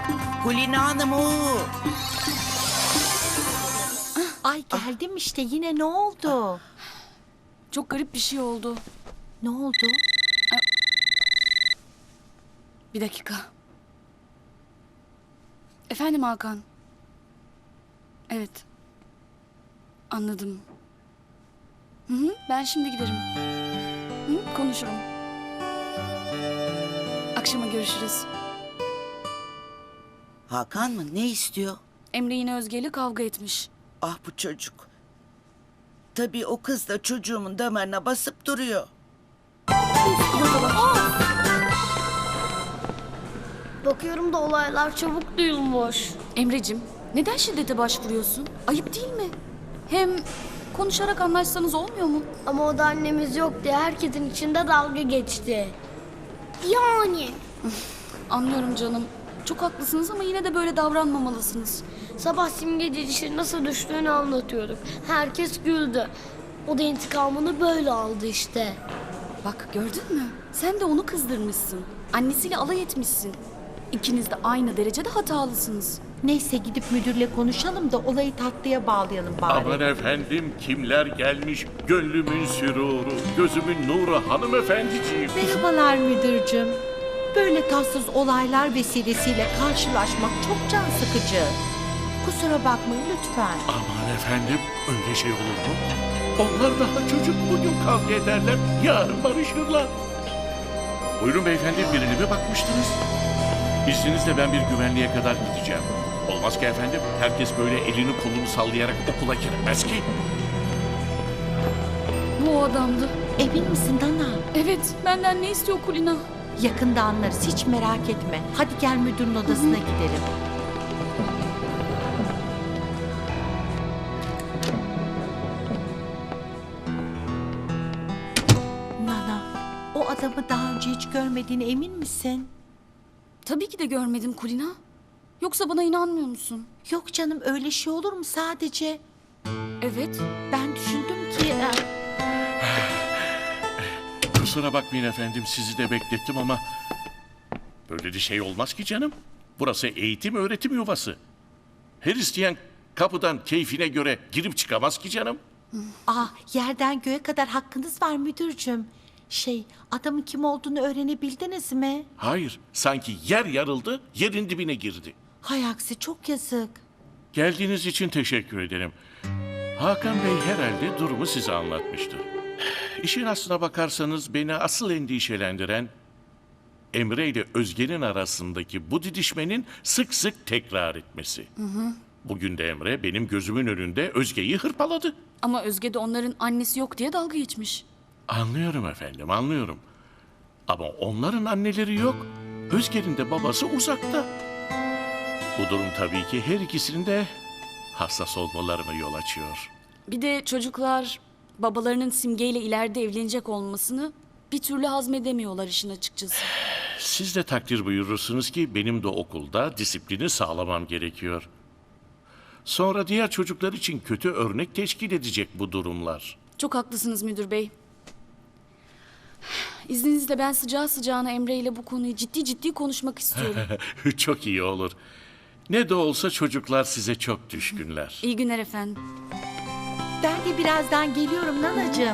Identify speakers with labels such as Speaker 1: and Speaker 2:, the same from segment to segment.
Speaker 1: Kulina Hanım o.
Speaker 2: Ay geldim işte, yine ne oldu?
Speaker 3: Çok garip bir şey oldu.
Speaker 2: Ne oldu?
Speaker 3: Bir dakika. Efendim Hakan. Evet. Anladım. Hı, ben şimdi giderim. Hı, konuşurum. Akşama görüşürüz.
Speaker 1: Hakan mı? Ne istiyor?
Speaker 3: Emre yine Özge ile kavga etmiş.
Speaker 1: Ah bu çocuk. Tabii o kız da çocuğumun damarına basıp duruyor.
Speaker 4: Bakıyorum da olaylar çabuk duyulmuş.
Speaker 3: Emrecim, neden şiddete başvuruyorsun? Ayıp değil mi? Hem konuşarak anlaşsanız olmuyor mu?
Speaker 4: Ama o da annemiz yok diye herkesin içinde dalga geçti. Yani.
Speaker 3: Anlıyorum canım. Çok haklısınız ama yine de böyle davranmamalısınız.
Speaker 4: Sabah Simge dişi nasıl düştüğünü anlatıyorduk. Herkes güldü. O da intikamını böyle aldı işte.
Speaker 3: Bak gördün mü? Sen de onu kızdırmışsın. Annesiyle alay etmişsin. İkiniz de aynı derecede hatalısınız.
Speaker 2: Neyse gidip müdürle konuşalım da olayı tatlıya bağlayalım bari.
Speaker 5: Aman efendim kimler gelmiş, gönlümün süruru, gözümün nuru hanımefendiciğim.
Speaker 2: Merhabalar müdürcüm. Böyle tatsız olaylar vesilesiyle karşılaşmak çok can sıkıcı. Kusura bakmayın lütfen.
Speaker 5: Aman efendim öyle şey olur mu? Onlar daha çocuk, bugün kavga ederler, yarın barışırlar. Buyurun beyefendi, birine mi bakmıştınız? İzninizle ben bir güvenliğe kadar gideceğim. Olmaz ki efendim, herkes böyle elini kolunu sallayarak okula giremez ki.
Speaker 3: Bu o adamdı.
Speaker 2: Emin misin Nana?
Speaker 3: Evet, benden ne istiyor Kulina?
Speaker 2: Yakında anlarız, hiç merak etme. Hadi gel müdürün odasına gidelim. Nana, o adamı daha önce hiç görmediğine emin misin?
Speaker 3: Tabii ki de görmedim Kulina. Yoksa bana inanmıyor musun?
Speaker 2: Yok canım, öyle şey olur mu sadece?
Speaker 3: Evet.
Speaker 2: Ben düşündüm ki...
Speaker 5: Kusura bakmayın efendim, sizi de beklettim ama... Böyle bir şey olmaz ki canım. Burası eğitim öğretim yuvası. Her isteyen kapıdan keyfine göre girip çıkamaz ki canım.
Speaker 2: Yerden göğe kadar hakkınız var müdürcüm. Adamın kim olduğunu öğrenebildiniz mi?
Speaker 5: Hayır, sanki yer yarıldı, yerin dibine girdi.
Speaker 2: Hay aksi, çok yazık.
Speaker 5: Geldiğiniz için teşekkür ederim. Hakan Bey herhalde durumu size anlatmıştır. İşin aslına bakarsanız beni asıl endişelendiren... Emre ile Özge'nin arasındaki bu didişmenin sık sık tekrar etmesi. Bugün de Emre benim gözümün önünde Özge'yi hırpaladı.
Speaker 3: Ama Özge de onların annesi yok diye dalga geçmiş.
Speaker 5: Anlıyorum efendim, anlıyorum. Ama onların anneleri yok. Özge'nin de babası uzakta. Bu durum tabii ki her ikisinin de hassas olmalarına yol açıyor.
Speaker 3: Bir de çocuklar babalarının Simge ile ileride evlenecek olmasını bir türlü hazmedemiyorlar işin açıkçası.
Speaker 5: Siz de takdir buyurursunuz ki benim de okulda disiplini sağlamam gerekiyor. Sonra diğer çocuklar için kötü örnek teşkil edecek bu durumlar.
Speaker 3: Çok haklısınız müdür bey. İzninizle ben sıcağı sıcağına Emre ile bu konuyu ciddi ciddi konuşmak istiyorum.
Speaker 5: Çok iyi olur. Ne de olsa çocuklar size çok düşkünler.
Speaker 3: İyi günler efendim.
Speaker 2: Ben de birazdan geliyorum Nanacığım.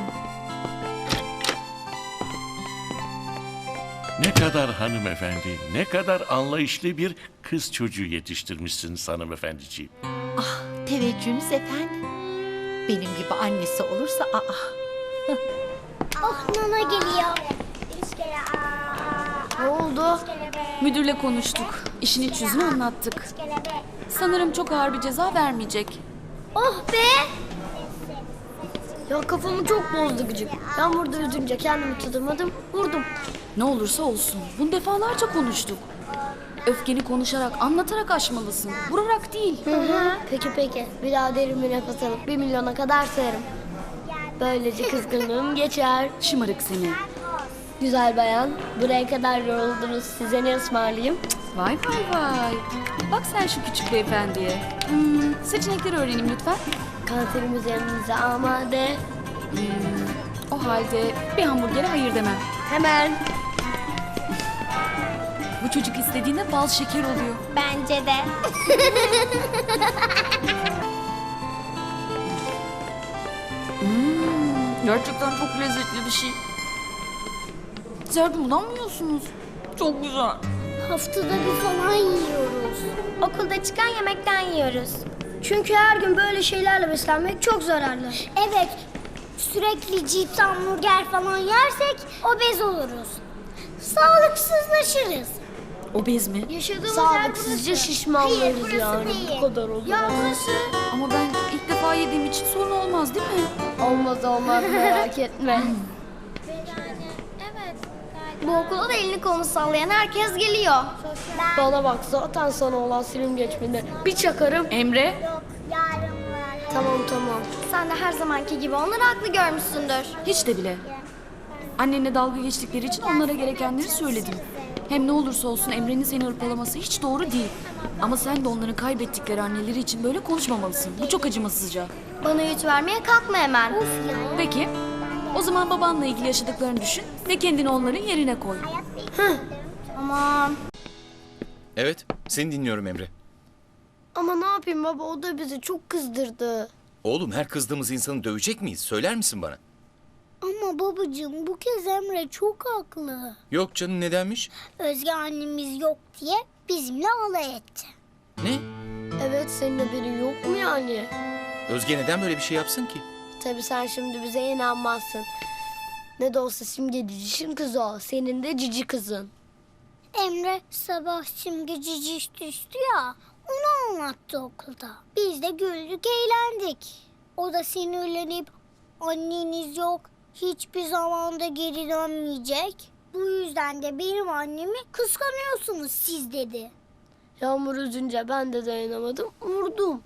Speaker 5: Ne kadar hanımefendi, ne kadar anlayışlı bir kız çocuğu yetiştirmişsiniz hanımefendiciğim.
Speaker 2: Teveccühünüz efendim. Benim gibi annesi olursa
Speaker 4: Oh Nana geliyor. Ne oldu?
Speaker 3: Müdürle konuştuk. İşin iç yüzünü anlattık. Sanırım çok ağır bir ceza vermeyecek.
Speaker 4: Oh be! Ya kafamı çok bozdu gıcık. Ben burada üzünce kendimi tutamadım, vurdum.
Speaker 3: Ne olursa olsun. Bunu defalarca konuştuk. Öfkeni konuşarak, anlatarak aşmalısın. Vurarak değil.
Speaker 4: Peki. Bir daha derin bir nefes alıp 1 milyona kadar sayarım. Böylece kızgınlığım geçer.
Speaker 3: Şımarık seni.
Speaker 4: Güzel bayan, buraya kadar yoruldunuz. Size ne ısmarlayayım?
Speaker 3: Vay. Bak sen şu küçük beyefendiye. Seçenekleri öğreneyim lütfen.
Speaker 4: Kanserimiz yanınıza amade.
Speaker 3: O halde bir hamburgere hayır demem.
Speaker 4: Hemen.
Speaker 3: Bu çocuk istediğinde bal şeker oluyor.
Speaker 6: Bence de.
Speaker 3: Gerçekten çok lezzetli bir şey. Siz bundan mı yiyorsunuz? Çok güzel.
Speaker 6: Haftada bir falan yiyoruz. Okulda çıkan yemekten yiyoruz. Çünkü her gün böyle şeylerle beslenmek çok zararlı. Evet. Sürekli cips, hamburger falan yersek obez oluruz. Sağlıksızlaşırız.
Speaker 3: Obez mi?
Speaker 6: Yaşadığımız yer
Speaker 4: Sağlıksızca
Speaker 6: burası.
Speaker 4: şişmanlarız
Speaker 6: Hayır, burası
Speaker 4: yani.
Speaker 6: değil.
Speaker 4: Bu kadar olur.
Speaker 6: Ya burası.
Speaker 3: Ama ben ilk defa yediğim için sorun olmaz değil mi?
Speaker 4: Olmaz merak etme.
Speaker 6: Evet. Bu okula da elini kolunu sallayan herkes geliyor.
Speaker 4: Bana bak zaten sana olan silim geçmedi. Bir çakarım.
Speaker 3: Emre?
Speaker 4: Tamam.
Speaker 6: Sen de her zamanki gibi onları haklı görmüşsündür.
Speaker 3: Hiç de bile. Annenle dalga geçtikleri için onlara gerekenleri söyledim. Hem ne olursa olsun Emre'nin seni hırpalaması hiç doğru değil. Ama sen de onların kaybettikleri anneleri için böyle konuşmamalısın. Bu çok acımasızca.
Speaker 6: Bana yüz vermeye kalkma hemen.
Speaker 3: Peki, o zaman babanla ilgili yaşadıklarını düşün ve kendini onların yerine koy.
Speaker 6: Aman.
Speaker 7: Evet, seni dinliyorum Emre.
Speaker 4: Ama ne yapayım baba, o da bizi çok kızdırdı.
Speaker 7: Oğlum, her kızdığımız insanı dövecek miyiz? Söyler misin bana?
Speaker 6: Ama babacığım bu kez Emre çok haklı.
Speaker 7: Yok canım, nedenmiş?
Speaker 6: Özge annemiz yok diye bizimle alay etti.
Speaker 7: Ne?
Speaker 4: Evet, senin haberin yok mu yani?
Speaker 7: Özge neden böyle bir şey yapsın ki?
Speaker 4: Tabii sen şimdi bize inanmazsın. Ne de olsa Simge cicişin kızı o. Senin de cici kızın.
Speaker 6: Emre sabah Simge ciciş düştü ya, onu anlattı okulda. Biz de güldük eğlendik. O da sinirlenip anneniz yok, hiçbir zaman da geri dönmeyecek. Bu yüzden de benim annemi kıskanıyorsunuz siz dedi.
Speaker 4: Yağmur üzünce ben de dayanamadım, vurdum.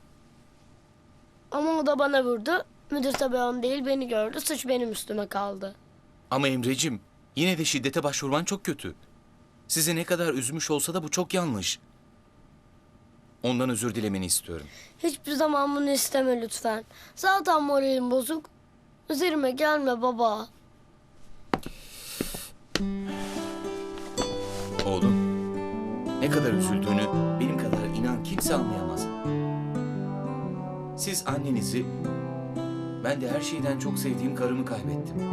Speaker 4: Ama o da bana vurdu. Müdür tabii onu değil, beni gördü. Suç benim üstüme kaldı.
Speaker 7: Ama Emrecim, yine de şiddete başvurman çok kötü. Sizi ne kadar üzmüş olsa da bu çok yanlış. Ondan özür dilemeni istiyorum.
Speaker 4: Hiçbir zaman bunu isteme lütfen. Zaten moralim bozuk. Üzerime gelme baba.
Speaker 7: Oğlum, ne kadar üzüldüğünü benim kadar inan kimse anlayamaz. Siz annenizi, ben de her şeyden çok sevdiğim karımı kaybettim.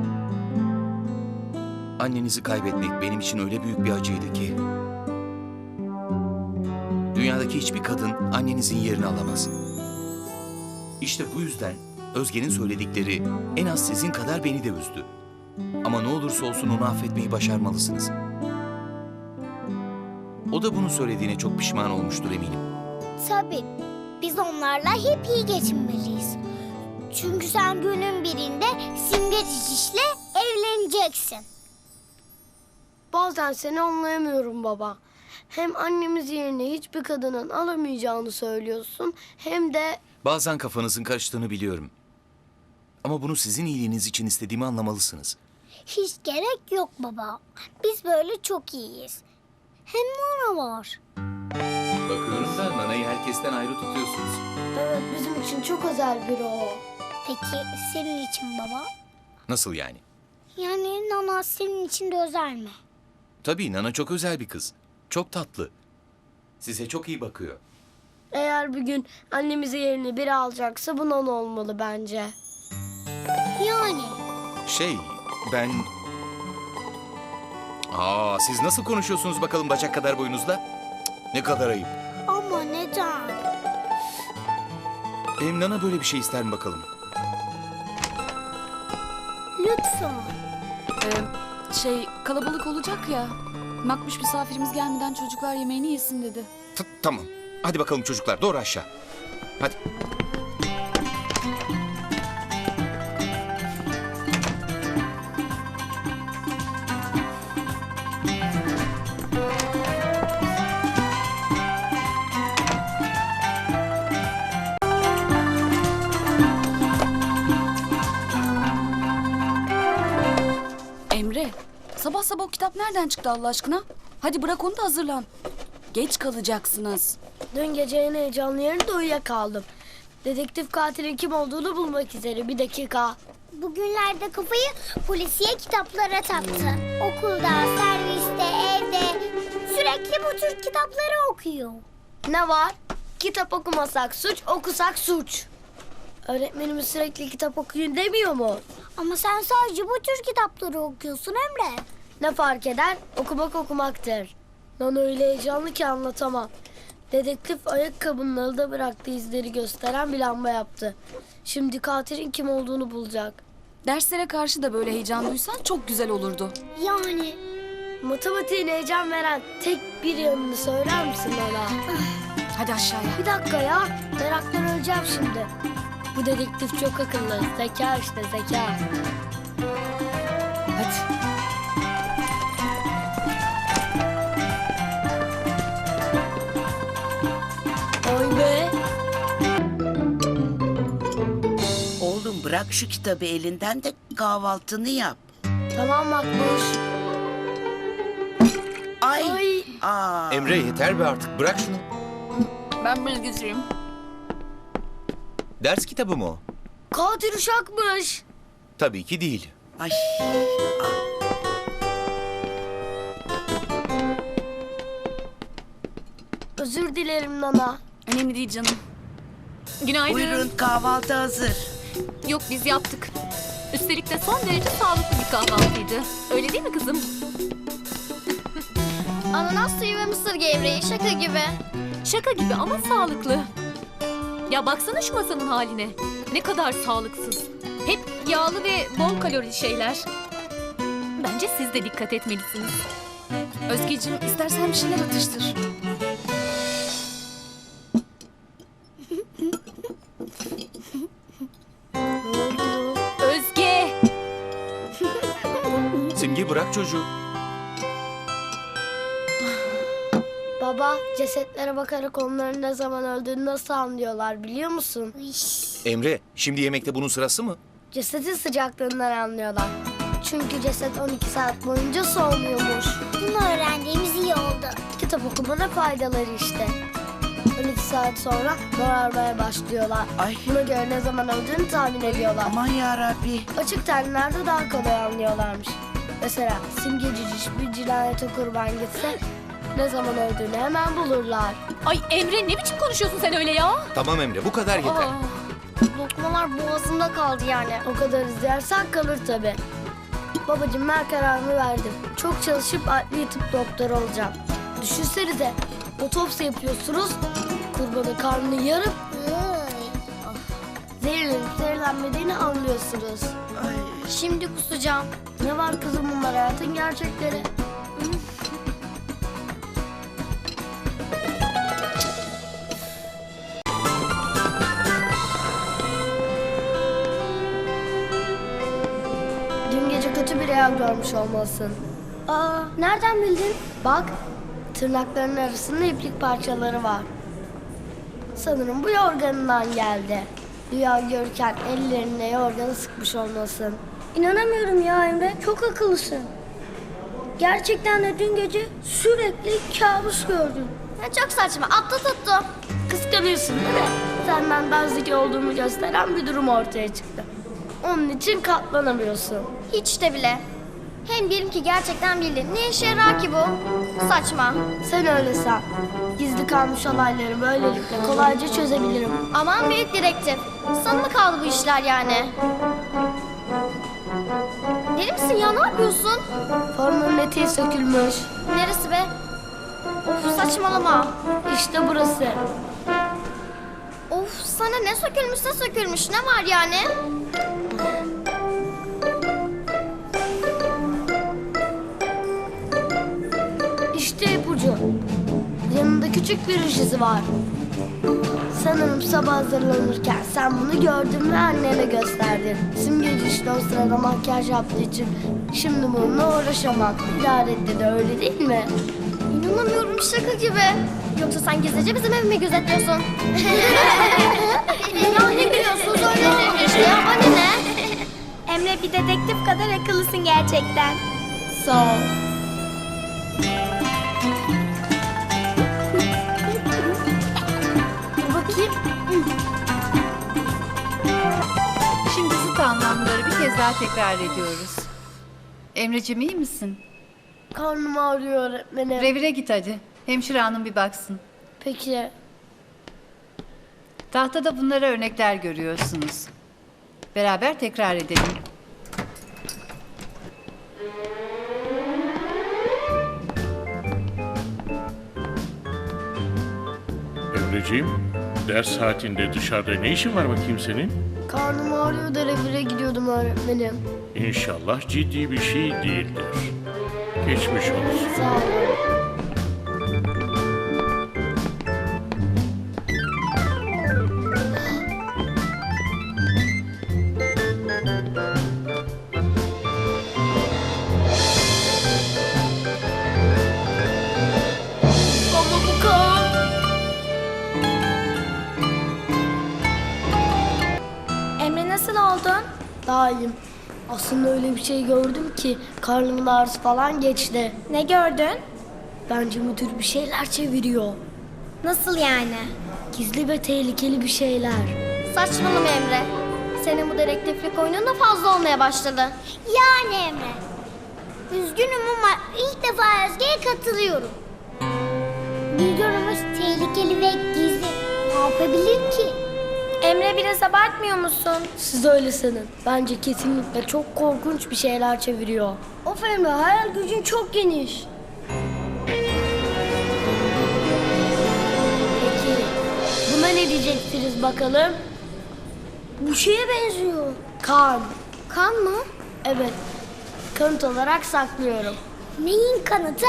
Speaker 7: Annenizi kaybetmek benim için öyle büyük bir acıydı ki... Dünyadaki hiçbir kadın annenizin yerini alamaz. İşte bu yüzden Özge'nin söyledikleri en az sizin kadar beni de üzdü. Ama ne olursa olsun onu affetmeyi başarmalısınız. O da bunu söylediğine çok pişman olmuştur eminim.
Speaker 6: Tabii biz onlarla hep iyi geçinmeliyiz. Çünkü sen günün birinde Simge cicişle evleneceksin.
Speaker 4: Bazen seni anlayamıyorum baba. Hem annemiz yerine hiçbir kadının alamayacağını söylüyorsun, hem de...
Speaker 7: Bazen kafanızın karıştığını biliyorum. Ama bunu sizin iyiliğiniz için istediğimi anlamalısınız.
Speaker 6: Hiç gerek yok baba. Biz böyle çok iyiyiz. Hem Nana var.
Speaker 7: Bakıyorum da Nana'yı herkesten ayrı tutuyorsunuz.
Speaker 4: Evet, bizim için çok özel biri o.
Speaker 6: Peki senin için baba?
Speaker 7: Nasıl yani?
Speaker 6: Yani Nana senin için de özel mi?
Speaker 7: Tabii Nana çok özel bir kız. Çok tatlı. Size çok iyi bakıyor.
Speaker 4: Eğer bir gün annemizi yerine biri alacaksa bu Nana olmalı bence.
Speaker 6: Yani
Speaker 7: Ben... Siz nasıl konuşuyorsunuz bakalım bacak kadar boyunuzla? Cık, ne kadar ayıp.
Speaker 6: ama neden?
Speaker 7: Nana böyle bir şey ister mi bakalım?
Speaker 6: Lütfen.
Speaker 3: Kalabalık olacak ya. Makbuş misafirimiz gelmeden çocuklar yemeğini yesin dedi.
Speaker 7: Tamam. Hadi bakalım çocuklar, doğru aşağı. Hadi.
Speaker 3: Emre, sabah sabah o kitap nereden çıktı Allah aşkına? Hadi bırak onu da hazırlan. Geç kalacaksınız.
Speaker 4: Dün gece en heyecanlı yerinde uyuyakaldım. Dedektif katilin kim olduğunu bulmak üzere. Bir dakika.
Speaker 6: Bugünlerde kafayı polisiye kitaplara taktı. Okulda, serviste, evde Sürekli bu tür kitapları okuyor.
Speaker 4: Ne var? Kitap okumasak suç, okusak suç. Öğretmenimiz sürekli kitap okuyun demiyor mu?
Speaker 6: Ama sen sadece bu tür kitapları okuyorsun Emre.
Speaker 4: Ne fark eder? Okumak okumaktır. Nana öyle heyecanlı ki anlatamam. Dedektif ayakkabının alıda bıraktığı izleri gösteren bir lamba yaptı. Şimdi katilin kim olduğunu bulacak.
Speaker 3: Derslere karşı da böyle heyecan duysan çok güzel olurdu.
Speaker 6: Yani
Speaker 4: Matematiğin heyecan veren tek bir yanını söyler misin Nana?
Speaker 3: Hadi aşağıya.
Speaker 4: Bir dakika ya. Meraktan öleceğim şimdi. Bu dedektif çok akıllı. Zeka işte zeka.
Speaker 3: Hadi.
Speaker 4: Oy be.
Speaker 1: Oğlum bırak şu kitabı elinden de kahvaltını yap.
Speaker 4: Tamam Makbuş.
Speaker 1: Ay.
Speaker 4: Ay.
Speaker 1: Aa.
Speaker 7: Emre yeter be artık, bırak şunu.
Speaker 3: Ben bilgisayarım.
Speaker 7: Ders kitabı mı o?
Speaker 4: Katil uşakmış.
Speaker 7: Tabii ki değil.
Speaker 1: Ay.
Speaker 4: Özür dilerim Nana.
Speaker 3: Önemli değil canım. Günaydın.
Speaker 1: Buyurun kahvaltı hazır.
Speaker 8: Yok biz yaptık. Üstelik de son derece sağlıklı bir kahvaltıydı. Öyle değil mi kızım?
Speaker 6: ananas suyu ve mısır gevreği şaka gibi.
Speaker 8: Şaka gibi ama sağlıklı. Ya baksana şu masanın haline. Ne kadar sağlıksız. Hep yağlı ve bol kalorili şeyler. Bence siz de dikkat etmelisiniz.
Speaker 3: Özgeciğim istersen bir şeyler atıştır.
Speaker 8: Özge!
Speaker 7: Simge bırak çocuğu.
Speaker 4: Baba, cesetlere bakarak onların ne zaman öldüğünü nasıl anlıyorlar biliyor musun?
Speaker 7: Emre, şimdi yemekte bunun sırası mı?
Speaker 4: Cesetin sıcaklığından anlıyorlar. Çünkü ceset 12 saat boyunca soğumuyormuş.
Speaker 6: Bunu öğrendiğimiz iyi oldu.
Speaker 4: Kitap okumanın faydaları işte. 12 saat sonra morarmaya başlıyorlar.
Speaker 1: Ay.
Speaker 4: Buna göre ne zaman öldüğünü tahmin ediyorlar.
Speaker 1: Aman yarabbi.
Speaker 4: Açık tenlerde daha kolay anlıyorlarmış. Mesela Simge Ciciş bir cinayete kurban gitse ne zaman öldüğünü hemen bulurlar.
Speaker 8: Ay Emre ne biçim konuşuyorsun sen öyle ya?
Speaker 7: Tamam Emre, bu kadar yeter.
Speaker 8: Aa,
Speaker 4: Lokmalar boğazımda kaldı yani. O kadar izlersen kalır tabii. Babacığım ben kararımı verdim. Çok çalışıp adli tıp doktoru olacağım. Düşünsenize otopsi yapıyorsunuz. Kurbanın karnını yarıp zehirlenip zehirlenmediğini anlıyorsunuz.
Speaker 1: Ay.
Speaker 6: Şimdi kusacağım.
Speaker 4: Ne var kızım bunlar hayatın gerçekleri. Dün gece kötü bir rüya görmüş olmalısın.
Speaker 6: Aa, nereden bildin?
Speaker 4: Bak, tırnaklarının arasında iplik parçaları var. Sanırım bu yorganından geldi. Rüya görürken ellerine yorganı sıkmış olmasın.
Speaker 6: İnanamıyorum ya Emre. Çok akıllısın. Gerçekten de dün gece sürekli kabus gördüm.
Speaker 4: Çok saçma, atla tuttu. Kıskanıyorsun değil mi? Senden daha zeki olduğumu gösteren bir durum ortaya çıktı. Onun için katlanamıyorsun.
Speaker 6: Hiç de bile. Hem diyelim ki gerçekten bildin. Ne işe yarar ki bu? Saçma.
Speaker 4: Sen öyle san. Gizli kalmış olayları böylelikle kolayca çözebilirim.
Speaker 6: Aman büyük dedektif. Sana mı kaldı bu işler yani? Deli misin ya? Ne yapıyorsun?
Speaker 4: Formunun eteği sökülmüş.
Speaker 6: Neresi be? Of saçmalama.
Speaker 4: İşte burası.
Speaker 6: Of sana ne sökülmüş ne var yani?
Speaker 4: İşte ipucu. Yanında küçük bir ruj izi var. Sanırım sabah hazırlanırken sen bunu gördün ve annene gösterdin. Simgeci işte o sırada makyaj yaptığı için şimdi bununla uğraşamam. İdarette de öyle değil mi?
Speaker 6: İnanamıyorum şaka gibi. Yoksa sen gizlice bizim evimi gözetliyorsun. Ya ne gülüyorsun söyle işte ya bana ne? Emre bir dedektif kadar akıllısın gerçekten.
Speaker 4: Sağ ol. Dur bakayım.
Speaker 2: Şimdi zıt anlamları bir kez daha tekrar ediyoruz. Emreciğim iyi misin?
Speaker 4: Karnım ağrıyor öğretmenim.
Speaker 9: Revire git hadi. Hemşire hanım bir baksın.
Speaker 4: Peki.
Speaker 9: Tahtada bunlara örnekler görüyorsunuz. Beraber tekrar edelim.
Speaker 5: Emreciğim, ders saatinde dışarıda ne işin var bakayım senin?
Speaker 4: Karnım ağrıyor da revire gidiyordum öğretmenim.
Speaker 5: İnşallah ciddi bir şey değildir. Geçmiş olsun.
Speaker 4: Sağ olun. Ama bu kan.
Speaker 6: Emre nasıl oldun?
Speaker 4: Daha iyiyim. Aslında öyle bir şey gördüm ki karnımın ağrısı falan geçti.
Speaker 6: Ne gördün?
Speaker 4: Bence müdür bir şeyler çeviriyor.
Speaker 6: Nasıl yani?
Speaker 4: Gizli ve tehlikeli bir şeyler.
Speaker 6: Saçmalama Emre. Senin bu dedektiflik oyunun da fazla olmaya başladı. Yani Emre. Üzgünüm ama ilk defa Özge'ye katılıyorum. Bir durumumuz tehlikeli ve gizli. Ne yapabilir ki? Emre biraz abartmıyor musun?
Speaker 4: Siz öyle sanın. Bence kesinlikle çok korkunç bir şeyler çeviriyor. Of Emre, hayal gücün çok geniş. Peki, buna ne diyeceksiniz bakalım? Bu şeye benziyor. Kan.
Speaker 6: Kan mı?
Speaker 4: Evet, kanıt olarak saklıyorum.
Speaker 6: Neyin kanıtı?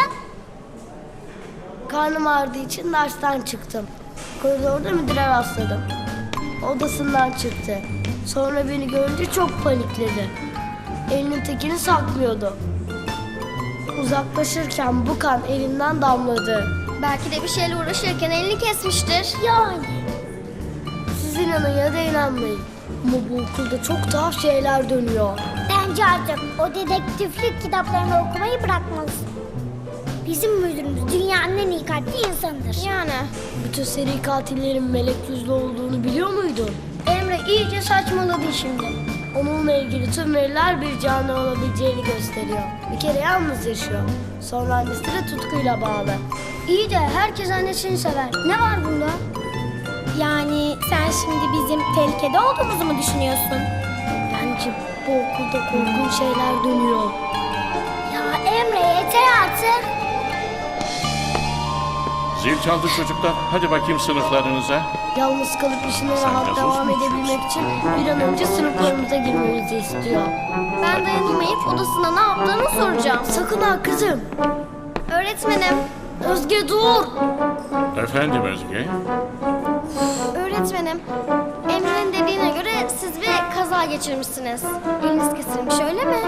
Speaker 4: Karnım ağrıdığı için dersten çıktım. Koridorda müdüre rastladım. Odasından çıktı. Sonra beni görünce çok panikledi. Elinin tekini saklıyordu. Uzaklaşırken bu kan elinden damladı.
Speaker 6: Belki de bir şeyle uğraşırken elini kesmiştir. Yani.
Speaker 4: Siz inanın ya da inanmayın. Ama bu okulda çok tuhaf şeyler dönüyor.
Speaker 6: Bence artık o dedektiflik kitaplarını okumayı bırakmalısın. Bizim müdürümüz dünyanın en iyi kalpli insanıdır. Yani.
Speaker 4: Bütün seri katillerin melek yüzlü olduğunu biliyor muydun?
Speaker 6: Emre iyice saçmaladı şimdi.
Speaker 4: Onunla ilgili tüm veriler bir canlı olabileceğini gösteriyor. Bir kere yalnız yaşıyor. Sonra annesi de tutkuyla bağlı.
Speaker 6: İyi de herkes annesini sever. Ne var bunda? Yani sen şimdi bizim tehlikede olduğumuzu mu düşünüyorsun?
Speaker 4: Bence bu okulda korkunç şeyler dönüyor.
Speaker 6: Ya Emre yeter artık.
Speaker 5: Zil çaldı çocuklar. Hadi bakayım sınıflarınıza.
Speaker 4: Yalnız kalıp işine
Speaker 5: Sen
Speaker 4: rahat
Speaker 5: gazoz
Speaker 4: devam
Speaker 5: mu
Speaker 4: edebilmek için bir an önce sınıflarımıza girmemizi istiyor.
Speaker 6: Ben dayanamayıp odasında ne yaptığını soracağım.
Speaker 4: Sakın ha kızım.
Speaker 6: Öğretmenim,
Speaker 4: Özge dur.
Speaker 5: Efendim Özge?
Speaker 6: öğretmenim. Emre'nin dediğine göre siz bir kaza geçirmişsiniz. Eliniz kesilmiş öyle mi?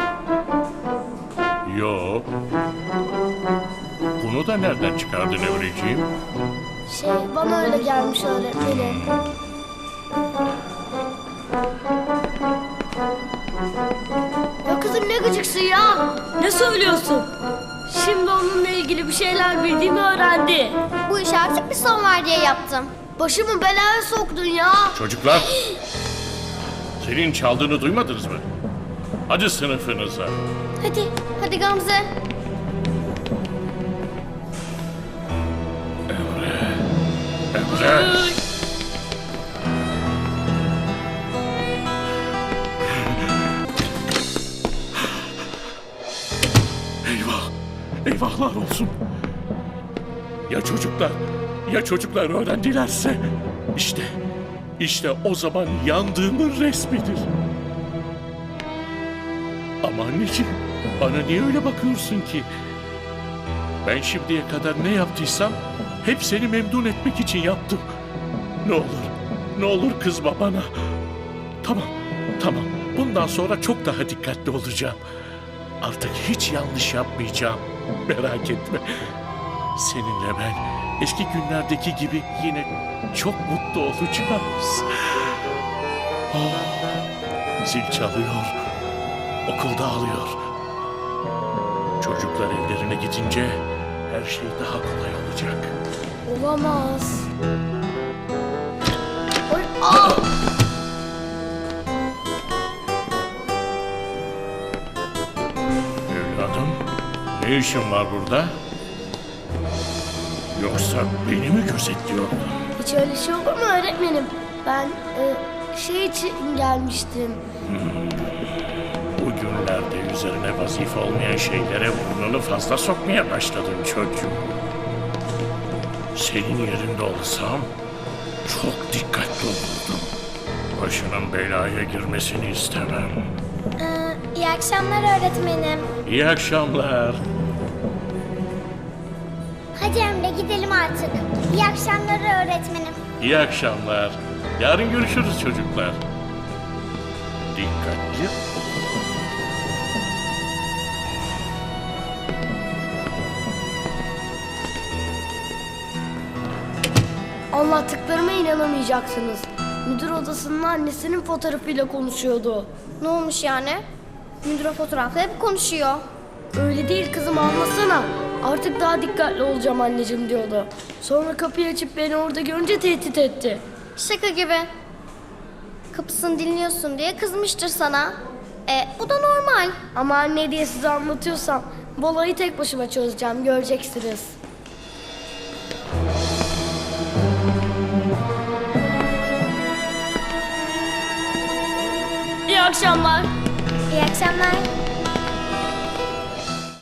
Speaker 5: Yo. Bunu da nereden çıkardın Emreciğim?
Speaker 4: Bana öyle gelmiş öğretmenim. Ya kızım ne gıcıksın ya? Ne söylüyorsun? Şimdi onunla ilgili bir şeyler bildiğimi öğrendi.
Speaker 6: Bu işe artık bir son var diye yaptım.
Speaker 4: Başımı belaya soktun ya.
Speaker 5: Çocuklar! Senin çaldığını duymadınız mı? Hadi sınıfınıza.
Speaker 6: Hadi Gamze.
Speaker 5: Emre! Eyvah! Eyvahlar olsun! Ya çocuklar öğrendilerse? İşte o zaman yandığımın resmidir. Ama anneciğim, bana niye öyle bakıyorsun ki? Ben şimdiye kadar ne yaptıysam hep seni memnun etmek için yaptım. Ne olur kızma bana. Tamam. Bundan sonra çok daha dikkatli olacağım. Artık hiç yanlış yapmayacağım. Merak etme. Seninle ben eski günlerdeki gibi yine çok mutlu olacağız. Zil çalıyor. Okul dağılıyor. Çocuklar evlerine gidince her şey daha kolay olacak.
Speaker 4: Olamaz.
Speaker 5: Evladım, Ne işin var burada? Yoksa beni mi gözetliyordun?
Speaker 4: Hiç öyle şey olur mu öğretmenim? Ben şey için gelmiştim.
Speaker 5: Bugünlerde üzerine vazife olmayan şeylere burnunu fazla sokmaya başladın çocuğum. Senin yerinde olsam çok dikkatli olurdum. Başının belaya girmesini istemem.
Speaker 6: İyi akşamlar öğretmenim.
Speaker 5: İyi akşamlar.
Speaker 6: Hadi Emre gidelim artık. İyi akşamlar öğretmenim.
Speaker 5: İyi akşamlar. Yarın görüşürüz çocuklar. Dikkatli.
Speaker 4: Anlattıklarıma inanamayacaksınız. Müdür odasının annesinin fotoğrafıyla konuşuyordu.
Speaker 6: Ne olmuş yani? Müdür fotoğrafla hep konuşuyor.
Speaker 4: Öyle değil kızım, anlasana. Artık daha dikkatli olacağım anneciğim diyordu. Sonra kapıyı açıp beni orada görünce tehdit etti.
Speaker 6: Şaka gibi. Kapısını dinliyorsun diye kızmıştır sana. Bu da normal.
Speaker 4: Ama anne diye size anlatıyorsam bu olayı tek başıma çözeceğim, göreceksiniz. İyi akşamlar.
Speaker 6: İyi akşamlar.